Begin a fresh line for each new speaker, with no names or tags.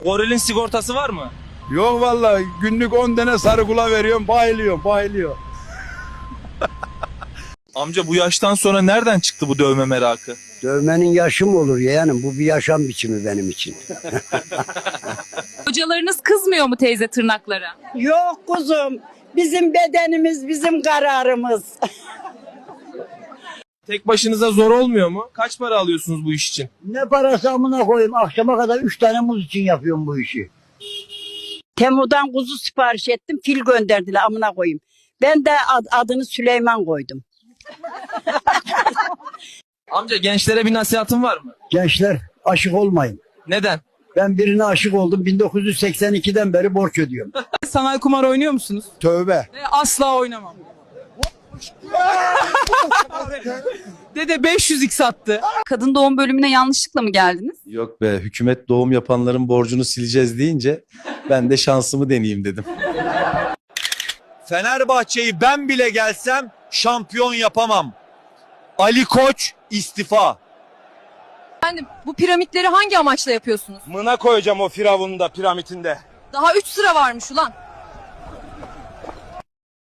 Gorilin sigortası var mı?
Yok vallahi günlük 10 tane sarı kula veriyorum, bayılıyor.
Amca bu yaştan sonra nereden çıktı bu dövme merakı?
Dövmenin yaşı mı olur yeğenim? Bu bir yaşam biçimi benim için.
Hocalarınız kızmıyor mu teyze tırnaklara?
Yok kuzum. Bizim bedenimiz, bizim kararımız.
Tek başınıza zor olmuyor mu? Kaç para alıyorsunuz bu iş için?
Ne parası amına koyayım? Akşama kadar 3 tane muz için yapıyorum bu işi.
Temu'dan kuzu sipariş ettim. Fil gönderdiler amına koyayım. Ben de adını Süleyman koydum.
Amca gençlere bir nasihatın var mı?
Gençler aşık olmayın.
Neden?
Ben birine aşık oldum. 1982'den beri borç ödüyorum.
Sanal kumar oynuyor musunuz?
Tövbe.
Asla oynamam. Dede 500x attı.
Kadın doğum bölümüne yanlışlıkla mı geldiniz?
Yok be, hükümet doğum yapanların borcunu sileceğiz deyince ben de şansımı deneyeyim dedim.
Fenerbahçe'yi ben bile gelsem şampiyon yapamam. Ali Koç istifa.
Efendim bu piramitleri hangi amaçla yapıyorsunuz?
Mına koyacağım o firavunu da piramitinde.
Daha 3 sıra varmış ulan.